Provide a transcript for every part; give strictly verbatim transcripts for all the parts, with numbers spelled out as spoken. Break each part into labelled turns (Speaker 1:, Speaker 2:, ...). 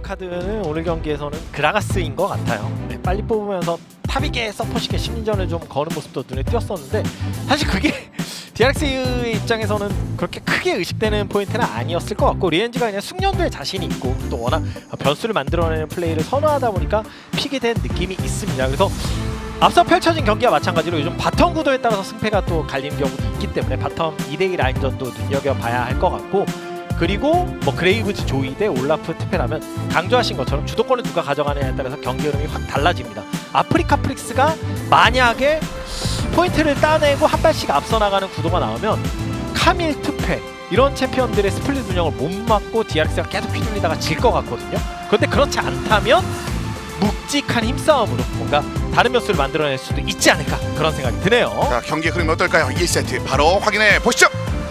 Speaker 1: 카드는 오늘 경기에서는 그라가스인 것 같아요. 네, 빨리 뽑으면서 탑이게 서포시게 심리전을 좀 거는 모습도 눈에 띄었었는데 사실 그게 디알엑스의 입장에서는 그렇게 크게 의식되는 포인트는 아니었을 것 같고 리엔지가 그냥 숙련도에 자신이 있고 또 워낙 변수를 만들어내는 플레이를 선호하다 보니까 픽이 된 느낌이 있습니다. 그래서 앞서 펼쳐진 경기와 마찬가지로 요즘 바텀 구도에 따라서 승패가 또 갈리는 경우도 있기 때문에 바텀 이 대 이 라인전도 눈여겨봐야 할 것 같고 그리고 뭐 그레이브즈 조이 대 올라프 트페라면 강조하신 것처럼 주도권을 누가 가져가느냐에 따라서 경기 흐름이 확 달라집니다. 아프리카 프릭스가 만약에 포인트를 따내고 한 발씩 앞서 나가는 구도가 나오면 카밀, 투페 이런 챔피언들의 스플릿 운영을 못 막고 디알엑스가 계속 휘둘리다가 질 것 같거든요. 그런데 그렇지 않다면 묵직한 힘싸움으로 뭔가 다른 변수를 만들어낼 수도 있지 않을까 그런 생각이 드네요.
Speaker 2: 자, 경기 흐름이 어떨까요? 이 세트 바로 확인해 보시죠.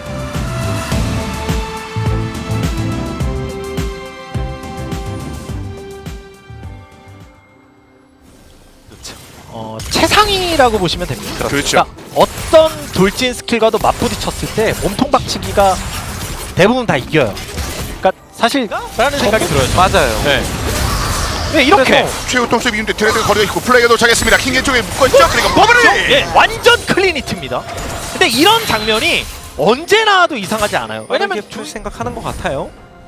Speaker 1: 어, 최상위라고 보시면 됩니다.
Speaker 2: 그렇죠.
Speaker 1: 그러니까 어떤 돌진 스킬과도 맞부딪혔을 때 몸통 박치기가 대부분 다 이겨요. 그러니까 사실 라는 생각이 들어요.
Speaker 3: 맞아요.
Speaker 1: 네. 네, 이렇게
Speaker 2: 최후 통수의 비운데 드레드가 거리가 있고 플레이가 도착했습니다. 킹겐 쪽에 묶어있죠. 그리고 버블이!
Speaker 1: 예, 완전 클린히트입니다. 근데 이런 장면이 언제 나와도 이상하지 않아요. 왜냐면
Speaker 3: 줄 생각하는 것 같아요.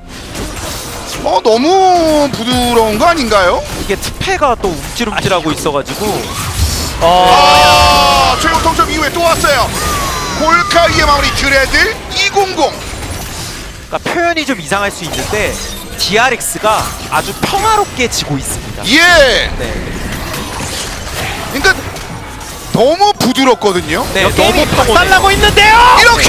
Speaker 2: 어, 너무 부드러운 거 아닌가요?
Speaker 3: 이게 특패가 또 움찔움찔하고 있어가지고
Speaker 1: 어,
Speaker 2: 아, 최후 통수 이후에 또 왔어요. 골카이의 마무리 드레드 이백십.
Speaker 3: 그러니까 표현이 좀 이상할 수 있는데 디알엑스가 아주 평화롭게 지고 있습니다.
Speaker 2: 예!
Speaker 3: 네,
Speaker 2: 그러니까 너무 부드럽거든요.
Speaker 3: 네,
Speaker 1: 너무
Speaker 3: 게임이
Speaker 1: 박살나고 있는데요.
Speaker 2: 이렇게!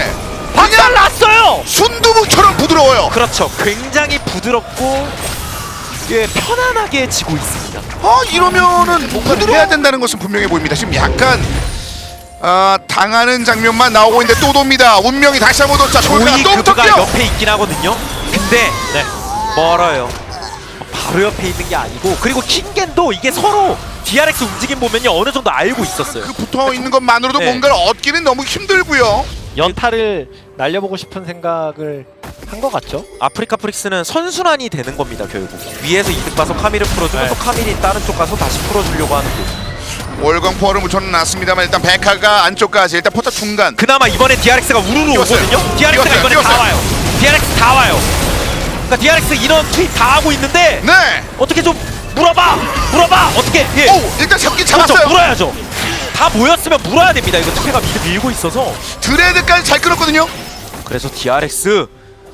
Speaker 1: 박살났어요.
Speaker 2: 순두부처럼 부드러워요.
Speaker 3: 그렇죠. 굉장히 부드럽고 예, 편안하게 지고 있습니다.
Speaker 2: 아, 이러면은 뭔가를 해야 된다는 것은 분명해 보입니다. 지금 약간 아, 당하는 장면만 나오고 있는데 또 돕니다. 운명이 다시 한번 뒀자. 골카가
Speaker 3: 조이
Speaker 2: 또
Speaker 3: 그브가
Speaker 2: 붙었죠.
Speaker 3: 옆에 있긴 하거든요. 근데
Speaker 1: 네.
Speaker 3: 멀어요. 바로 옆에 있는 게 아니고 그리고 킹겐도 이게 서로 디알엑스 움직임 보면요 어느 정도 알고 있었어요.
Speaker 2: 그 붙어 있는 것만으로도
Speaker 3: 네.
Speaker 2: 뭔가를 얻기는 너무 힘들고요.
Speaker 1: 연타를 날려보고 싶은 생각을 한 것 같죠.
Speaker 3: 아프리카 프릭스는 선순환이 되는 겁니다. 결국 위에서 이득 봐서 카밀을 풀어주면
Speaker 1: 네.
Speaker 3: 또 카밀이 다른 쪽 가서 다시 풀어주려고 하는 거죠.
Speaker 2: 월광포화를 묻혀놨습니다만 일단 백화가 안쪽까지 일단 포탑 중간.
Speaker 3: 그나마 이번에 디알엑스가 우르르
Speaker 2: 뛰었어요.
Speaker 3: 오거든요. 디알엑스가
Speaker 2: 뛰었어요.
Speaker 3: 이번에
Speaker 2: 뛰었어요.
Speaker 3: 다 와요. 디알엑스 다 와요. 그러니까 디알엑스 이런 트윗 다 하고 있는데
Speaker 2: 네.
Speaker 3: 어떻게 좀 물어봐! 물어봐! 어떻게! 예.
Speaker 2: 오, 일단 잡긴
Speaker 3: 그렇죠.
Speaker 2: 잡았어요.
Speaker 3: 물어야죠. 다 모였으면 물어야 됩니다. 이거 특혜가 미드 밀고 있어서.
Speaker 2: 드레드까지 잘 끌었거든요.
Speaker 3: 그래서 디알엑스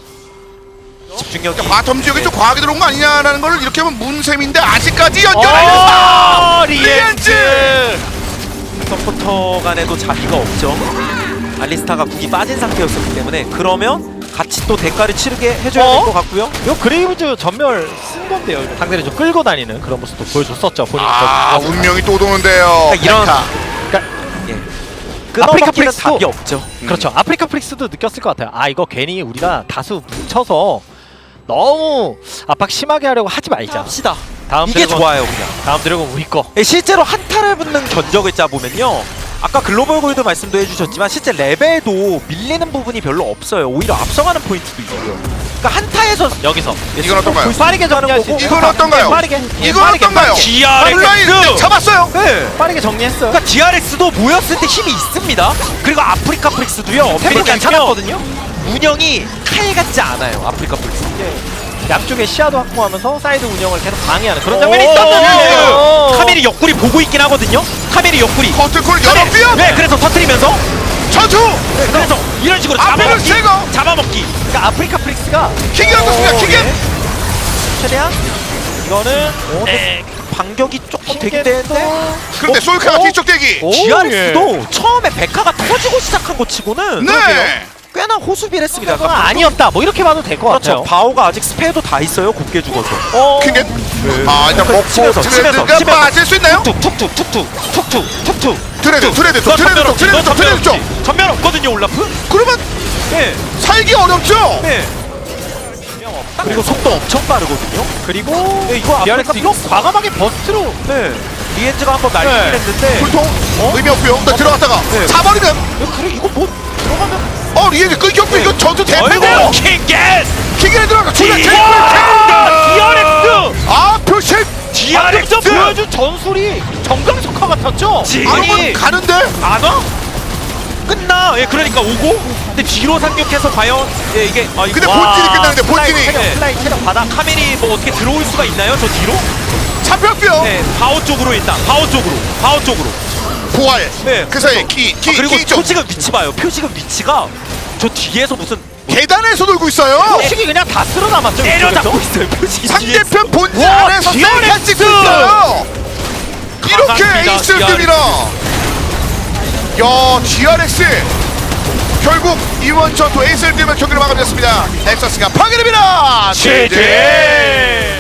Speaker 3: 집중력이
Speaker 2: 바텀 지역에 좀 과하게 들어온 거 아니냐라는 걸 이렇게 하면 문셈인데 아직까지
Speaker 1: 어,
Speaker 2: 연결하면서
Speaker 1: 리엔즈.
Speaker 3: 서포터 간에도 자비가 없죠. 알리스타가 국이 빠진 상태였었기 때문에 그러면 같이 또 대가를 치르게 해줘야
Speaker 1: 어?
Speaker 3: 될 것 같고요.
Speaker 1: 이거 그레이브즈 전멸 쓴 건데요. 이거 상대를 좀 끌고 다니는 그런 모습도 보여줬었죠. 본인
Speaker 2: 아, 운명이 또 도는데요.
Speaker 3: 그러니까 이런
Speaker 2: 백화.
Speaker 1: 그러니까
Speaker 3: 예.
Speaker 1: 아프리카
Speaker 3: 끊어먹기는
Speaker 1: 프릭스도-
Speaker 3: 답이 없죠.
Speaker 1: 그렇죠. 아프리카 프릭스도 느꼈을 것 같아요. 아 이거 괜히 우리가 다수 뭉쳐서 너무 압박 심하게 하려고 하지 말자.
Speaker 3: 합시다.
Speaker 1: 다음
Speaker 3: 이게
Speaker 1: 드래곤,
Speaker 3: 좋아요 그냥.
Speaker 1: 다음 드래곤 우리 거.
Speaker 3: 예, 실제로 한타를 붙는 견적을 짜보면요 아까 글로벌 골드 말씀도 해주셨지만 실제 레벨도 밀리는 부분이 별로 없어요. 오히려 앞서가는 포인트도 있고요. 그러니까 한타에서
Speaker 1: 여기서
Speaker 2: 이건 어떤가요?
Speaker 1: 빠르게 정리할 수 있는
Speaker 2: 이건 어떤가요?
Speaker 1: 빠르게 예,
Speaker 2: 이건
Speaker 1: 빠르게,
Speaker 2: 어떤가요?
Speaker 1: 빠르게.
Speaker 2: 온라인 잡았어요.
Speaker 3: 네.
Speaker 1: 빠르게 정리했어요.
Speaker 3: 그러니까 디알엑스도 모였을 때 힘이 있습니다. 그리고 아프리카 프릭스도요.
Speaker 1: 템포 괜찮았거든요.
Speaker 3: 운영이 칼 같지 않아요. 아프리카 프릭스.
Speaker 1: 양쪽에 시야도 확보하면서 사이드 운영을 계속 방해하는 그런
Speaker 3: 오,
Speaker 1: 장면이
Speaker 3: 오,
Speaker 1: 있었는데
Speaker 3: 오, 오. 카밀이 옆구리 보고 있긴 하거든요. 카밀이 옆구리.
Speaker 2: 커트콜 여러 뼈.
Speaker 3: 네, 그래서 터트리면서
Speaker 2: 전투.
Speaker 3: 네, 그래서 이런 식으로
Speaker 2: 앞에를
Speaker 3: 잡아먹기.
Speaker 2: 제거.
Speaker 3: 잡아먹기.
Speaker 1: 그러니까 아프리카 프릭스가
Speaker 2: 킹이 어떻습니까?
Speaker 3: 오,
Speaker 2: 킹이.
Speaker 3: 예.
Speaker 1: 최대한 이거는
Speaker 3: 네, 반격이 조금 되긴
Speaker 1: 킹겐도
Speaker 3: 되는데
Speaker 2: 그런데 솔카가 뒤쪽 대기.
Speaker 1: 오,
Speaker 3: 디알엑스도 처음에 백화가 터지고 시작한 것 치고는
Speaker 2: 네.
Speaker 3: 꽤나 호수비를 했습니다.
Speaker 1: 그건 아니었다. 뭐 이렇게 봐도 될 것
Speaker 3: 그렇죠.
Speaker 1: 같아요.
Speaker 3: 바오가 아직 스페어도 다 있어요. 곱게 죽어서.
Speaker 1: 어,
Speaker 2: 킹겐. 아, 일단 먹고
Speaker 3: 치면서,
Speaker 2: 드레드가
Speaker 3: 치면서, 치면서.
Speaker 2: 빠질 수 있나요?
Speaker 3: 툭툭툭 툭툭 툭툭 툭툭.
Speaker 2: 드레드, 드레드 쪽, 드레드 쪽, 드레드 쪽, 드레드 쪽.
Speaker 3: 전면 없거든요, 올라프.
Speaker 2: 그러면
Speaker 3: 예.
Speaker 2: 살기 어렵죠.
Speaker 3: 예. 그리고 속도 엄청 빠르거든요.
Speaker 1: 그리고
Speaker 3: 네, 이거
Speaker 1: 디알엑스
Speaker 3: 아프리카
Speaker 1: 이거
Speaker 3: 프릭스.
Speaker 1: 과감하게 버스트로
Speaker 3: 네. 리엔즈가 한번 날리긴
Speaker 1: 네.
Speaker 3: 했는데.
Speaker 2: 불통 의미 없고요. 또 들어갔다가
Speaker 3: 네.
Speaker 2: 사버리면
Speaker 3: 야, 그래 이거 뭐 들어가면
Speaker 2: 어 리에지 끊겼고 이거 전투 대패고
Speaker 3: 어이구 킹겟
Speaker 2: 킥에 들어가 주자 테이블
Speaker 1: 디아렉스!
Speaker 2: 아 표식
Speaker 1: 디아렉스 보여준 전술이 정강석화 같았죠?
Speaker 2: 아니 가는데
Speaker 3: 안 와? 끝나. 예, 그러니까 오고 근데 뒤로 상륙해서 과연 예, 이게 아,
Speaker 2: 근데
Speaker 3: 와.
Speaker 2: 본진이 끝나는데 본진이
Speaker 1: 플라이 체력, 플라이 체력 받아.
Speaker 3: 카멜이 뭐 어떻게 들어올 수가 있나요? 저 뒤로?
Speaker 2: 잡혔고요
Speaker 3: 네, 바오 쪽으로 일단 바오 쪽으로 바오 쪽으로.
Speaker 2: 부활
Speaker 3: 네.
Speaker 2: 그 사이에 키
Speaker 3: 아,
Speaker 2: 키
Speaker 3: 그리고
Speaker 2: 키 쪽
Speaker 3: 표식은 위치 봐요. 표식은 위치가 저 뒤에서 무슨
Speaker 2: 계단에서 돌고 있어요
Speaker 1: 표식이 그냥 다 쓸어 남았죠.
Speaker 3: 때려잡고 있어요. 표식이
Speaker 2: 상대편 본진
Speaker 1: 와,
Speaker 2: 안에서 셀카
Speaker 1: 디아렉스!
Speaker 2: 찍고 있어요 이렇게
Speaker 3: 강합니다,
Speaker 2: 에이스급이라 야 디아렉스 결국 이번 전투 에이스를 띄우며 경기를 마감했습니다. 넥서스가 파괴됩니다. 제제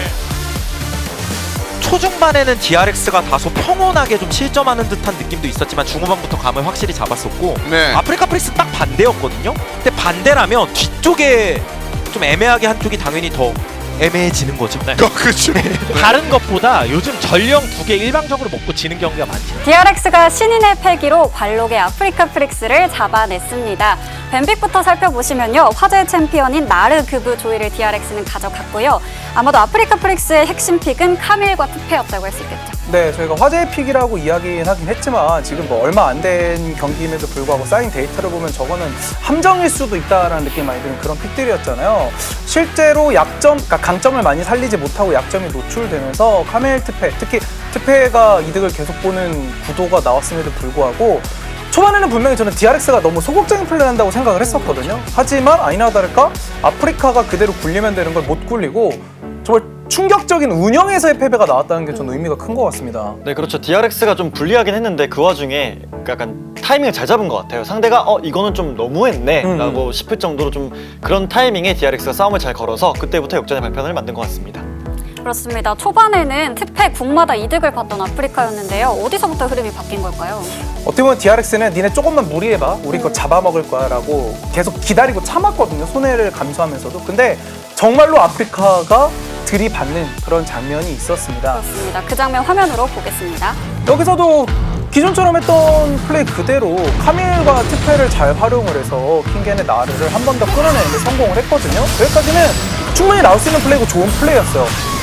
Speaker 3: 초중반에는 디알엑스가 다소 평온하게 좀 실점하는 듯한 느낌도 있었지만 중후반부터 감을 확실히 잡았었고
Speaker 2: 네.
Speaker 3: 아프리카 프릭스 딱 반대였거든요. 근데 반대라면 뒤쪽에 좀 애매하게 한쪽이 당연히 더 애매해지는 거죠. 네.
Speaker 2: 어, 그렇죠.
Speaker 1: 다른 것보다 요즘 전령 두 개 일방적으로 먹고 지는 경기가 많죠.
Speaker 4: 디알엑스가 신인의 패기로 관록의 아프리카 프릭스를 잡아냈습니다. 뱀픽부터 살펴보시면요. 화제의 챔피언인 나르그브 조이를 디알엑스는 가져갔고요. 아마도 아프리카 프릭스의 핵심 픽은 카밀과 투페였다고 할 수 있겠죠.
Speaker 5: 네, 저희가 화제의 픽이라고 이야기는 하긴 했지만 지금 뭐 얼마 안 된 경기임에도 불구하고 쌓인 데이터를 보면 저거는 함정일 수도 있다라는 느낌이 많이 드는 그런 픽들이었잖아요. 실제로 약점, 그러니까 강점을 많이 살리지 못하고 약점이 노출되면서 카멜 트페, 특히 트페가 이득을 계속 보는 구도가 나왔음에도 불구하고 초반에는 분명히 저는 디알엑스가 너무 소극적인 플레이를 한다고 생각을 했었거든요. 하지만 아니나 다를까 아프리카가 그대로 굴리면 되는 걸 못 굴리고 정말 충격적인 운영에서의 패배가 나왔다는 게 저는 의미가 큰 것 같습니다.
Speaker 6: 네, 그렇죠. 디알엑스가 좀 불리하긴 했는데 그 와중에 약간 타이밍을 잘 잡은 것 같아요. 상대가 어 이거는 좀 너무했네
Speaker 5: 음.
Speaker 6: 라고 싶을 정도로 좀 그런 타이밍에 디알엑스가 싸움을 잘 걸어서 그때부터 역전의 발판을 만든 것 같습니다.
Speaker 4: 그렇습니다. 초반에는 트페 국마다 이득을 봤던 아프리카였는데요. 어디서부터 흐름이 바뀐 걸까요?
Speaker 5: 어떻게 보면 디알엑스는 니네 조금만 무리해봐 우리 거 잡아먹을 거야 라고 계속 기다리고 참았거든요. 손해를 감수하면서도. 근데 정말로 아프리카가 들이받는 그런 장면이 있었습니다.
Speaker 4: 그렇습니다. 그 장면 화면으로 보겠습니다.
Speaker 5: 여기서도 기존처럼 했던 플레이 그대로 카밀과 트페를 잘 활용을 해서 킹겐의 나르를 한 번 더 끌어내는데 성공을 했거든요. 여기까지는 충분히 나올 수 있는 플레이고 좋은 플레이였어요.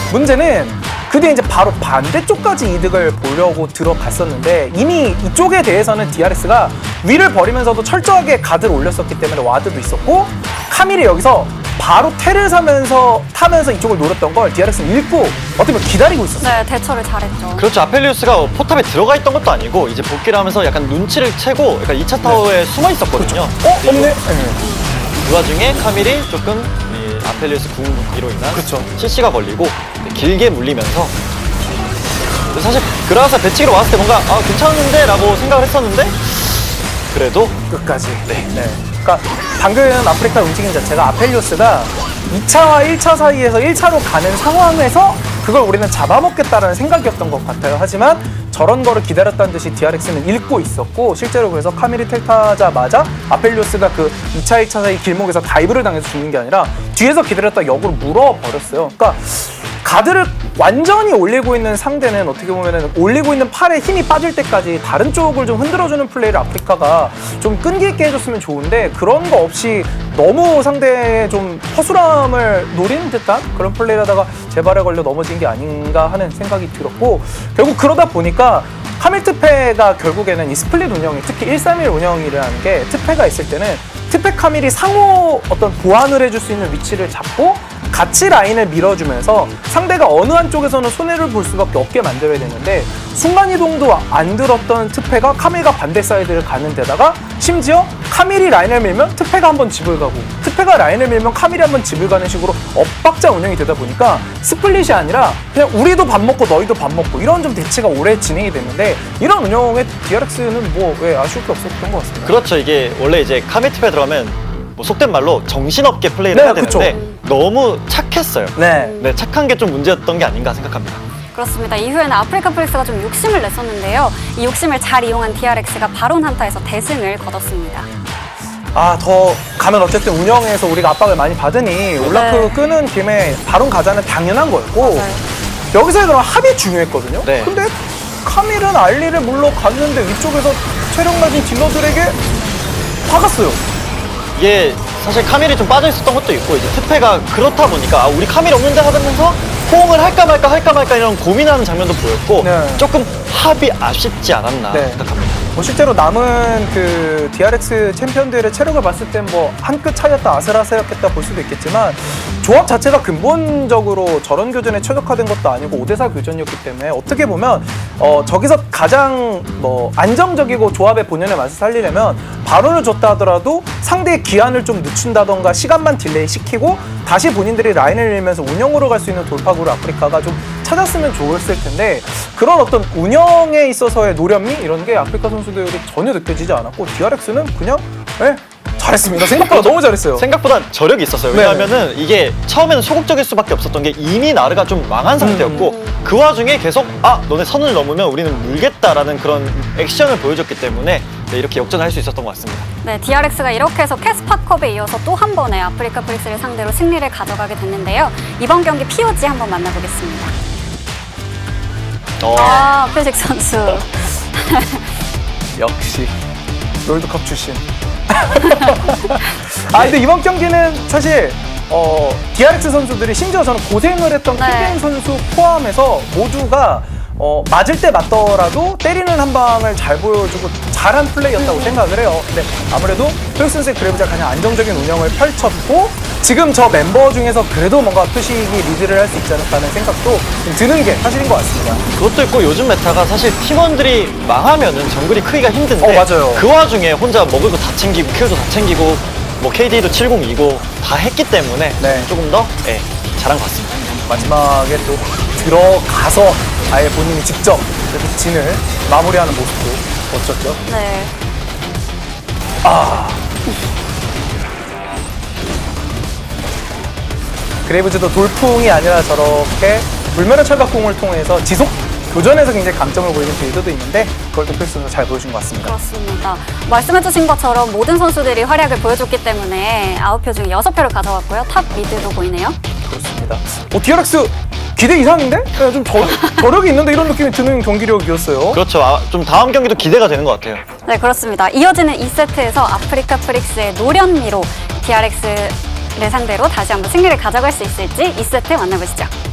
Speaker 5: 문제는 그 뒤에 이제 바로 반대쪽까지 이득을 보려고 들어갔었는데 이미 이쪽에 대해서는 디알엑스가 위를 버리면서도 철저하게 가드를 올렸었기 때문에 와드도 있었고 카밀이 여기서 바로 테를 사면서 타면서 이쪽을 노렸던 걸 디알엑스는 읽고 어떻게 보면 기다리고 있었어요.
Speaker 4: 네, 대처를 잘했죠.
Speaker 6: 그렇죠. 아펠리우스가 포탑에 들어가 있던 것도 아니고 이제 복귀를 하면서 약간 눈치를 채고 약간 이 차 타워에 숨어 있었거든요.
Speaker 5: 어? 없네? 네.
Speaker 6: 그 와중에 카밀이 조금 이 아펠리우스 궁극기로 인한
Speaker 5: 그쵸.
Speaker 6: 실시가 걸리고 길게 물리면서 사실 그라가스 배치기로 왔을 때 뭔가 아 괜찮은데 라고 생각을 했었는데 그래도
Speaker 5: 끝까지. 네. 네. 그러니까 방금 아프리카 움직임 자체가 아펠리오스가 이 차와 일 차 사이에서 일 차로 가는 상황에서 그걸 우리는 잡아먹겠다라는 생각이었던 것 같아요. 하지만 저런 거를 기다렸다는 듯이 디알엑스는 읽고 있었고 실제로 그래서 카밀이 텔 타자마자 아펠리오스가 그 이 차, 일 차 사이 길목에서 다이브를 당해서 죽는 게 아니라 뒤에서 기다렸다 역으로 물어버렸어요. 그러니까 가드를 완전히 올리고 있는 상대는 어떻게 보면은 올리고 있는 팔에 힘이 빠질 때까지 다른 쪽을 좀 흔들어주는 플레이를 아프리카가 좀 끈기 있게 해줬으면 좋은데 그런 거 없이 너무 상대의 좀 허술함을 노리는 듯한 그런 플레이를 하다가 제발에 걸려 넘어진 게 아닌가 하는 생각이 들었고 결국 그러다 보니까 카밀 트페가 결국에는 이 스플릿 운영이 특히 일 삼일 운영이라는 게 트페가 있을 때는 트페 카밀이 상호 어떤 보완을 해줄 수 있는 위치를 잡고 같이 라인을 밀어주면서 상대가 어느 한쪽에서는 손해를 볼 수밖에 없게 만들어야 되는데 순간이동도 안 들었던 트페가 카밀과 반대 사이드를 가는 데다가 심지어 카밀이 라인을 밀면 트페가 한번 집을 가고 트페가 라인을 밀면 카밀이 한번 집을 가는 식으로 엇박자 운영이 되다 보니까 스플릿이 아니라 그냥 우리도 밥 먹고 너희도 밥 먹고 이런 좀 대치가 오래 진행이 됐는데 이런 운영에 디알엑스는 뭐 왜 아쉬울 게 없었던 것 같습니다.
Speaker 6: 그렇죠. 이게 원래 이제 카밀 팁에 들어가면 뭐 속된 말로 정신없게 플레이를
Speaker 5: 네,
Speaker 6: 해야 되는데
Speaker 5: 그쵸.
Speaker 6: 너무 착했어요.
Speaker 5: 네.
Speaker 6: 네, 착한 게 좀 문제였던 게 아닌가 생각합니다.
Speaker 4: 그렇습니다. 이후에는 아프리카 프릭스가 좀 욕심을 냈었는데요. 이 욕심을 잘 이용한 디알엑스가 바론 한타에서 대승을 거뒀습니다.
Speaker 5: 아, 더 가면 어쨌든 운영에서 우리가 압박을 많이 받으니 올라프
Speaker 4: 네.
Speaker 5: 끄는 김에 바론 가자는 당연한 거였고
Speaker 4: 맞아요.
Speaker 5: 여기서의 그런 합이 중요했거든요.
Speaker 6: 네.
Speaker 5: 근데 카밀은 알리를 물러갔는데 위쪽에서 체력 낮은 딜러들에게 박았어요.
Speaker 6: 이게 사실 카밀이 좀 빠져 있었던 것도 있고 이제 트페가 그렇다 보니까 아, 우리 카밀 없는데 하면서 호응을 할까 말까 할까 말까 이런 고민하는 장면도 보였고
Speaker 5: 네.
Speaker 6: 조금 합이 아쉽지 않았나
Speaker 5: 네.
Speaker 6: 생각합니다.
Speaker 5: 뭐 실제로 남은 그 디알엑스 챔피언들의 체력을 봤을 땐 뭐 한 끗 차이였다 아슬아슬했다 볼 수도 있겠지만 조합 자체가 근본적으로 저런 교전에 최적화된 것도 아니고 오 대 사 교전이었기 때문에 어떻게 보면 어 저기서 가장 뭐 안정적이고 조합의 본연의 맛을 살리려면 바론을 줬다 하더라도 상대의 기한을 좀 늦춘다던가 시간만 딜레이 시키고 다시 본인들이 라인을 밀면서 운영으로 갈 수 있는 돌파구를 아프리카가 좀 찾았으면 좋았을 텐데 그런 어떤 운영에 있어서의 노련미 이런 게 아프리카 선수들이 전혀 느껴지지 않았고 디알엑스는 그냥 예, 잘했습니다. 생각보다 너무 잘했어요.
Speaker 6: 생각보다 저력이 있었어요.
Speaker 5: 네.
Speaker 6: 왜냐하면은 이게 처음에는 소극적일 수밖에 없었던 게 이미 나르가 좀 망한 상태였고
Speaker 5: 음.
Speaker 6: 그 와중에 계속 아 너네 선을 넘으면 우리는 물겠다라는 그런 액션을 보여줬기 때문에 네, 이렇게 역전할 수 있었던 것 같습니다.
Speaker 4: 네, 디알엑스가 이렇게 해서 캐스파컵에 이어서 또 한 번의 아프리카 프릭스를 상대로 승리를 가져가게 됐는데요. 이번 경기 피오지 한번 만나보겠습니다.
Speaker 6: 어,
Speaker 4: 아, 표식 선수.
Speaker 5: 역시 롤드컵 출신. 아 근데 이번 경기는 사실 어, 디알엑스 선수들이 심지어 저는 고생을 했던
Speaker 4: 네.
Speaker 5: 킬게임 선수 포함해서 모두가 어, 맞을 때 맞더라도 때리는 한 방을 잘 보여주고 잘한 플레이였다고 생각을 해요. 근데 아무래도 토익 선수의 그래브가 가장 안정적인 운영을 펼쳤고 지금 저 멤버 중에서 그래도 뭔가 표식이 리드를 할 수 있지 않을까 하는 생각도 좀 드는 게 사실인 것 같습니다.
Speaker 6: 그것도 있고 요즘 메타가 사실 팀원들이 망하면은 정글이 크기가 힘든데
Speaker 5: 어, 맞아요.
Speaker 6: 그 와중에 혼자 먹을 거 다 챙기고 킬도 다 챙기고 뭐 케이디도 칠십이고 다 했기 때문에
Speaker 5: 네.
Speaker 6: 조금 더 예, 잘한 것 같습니다.
Speaker 5: 마지막에 또 들어가서 아예 본인이 직접 이렇게 진을 마무리하는 모습도 멋졌죠.
Speaker 4: 네.
Speaker 5: 그레이브즈도 돌풍이 아니라 저렇게 불멸의 철갑공을 통해서 지속 교전에서 굉장히 강점을 보이는 빌드도 있는데 그걸 또 필수로 잘 보여준 것 같습니다.
Speaker 4: 그렇습니다. 말씀해주신 것처럼 모든 선수들이 활약을 보여줬기 때문에 아홉 표 중에 여섯 표를 가져갔고요. 탑 미드도 보이네요.
Speaker 5: 그렇습니다. 어, 디알엑스 기대 이상인데? 네, 좀 저, 저력이 있는데 이런 느낌이 드는 경기력이었어요.
Speaker 6: 그렇죠. 아, 좀 다음 경기도 기대가 되는 것 같아요.
Speaker 4: 네, 그렇습니다. 이어지는 이 세트에서 아프리카 프릭스의 노련미로 디알엑스를 상대로 다시 한번 승리를 가져갈 수 있을지 이 세트 만나보시죠.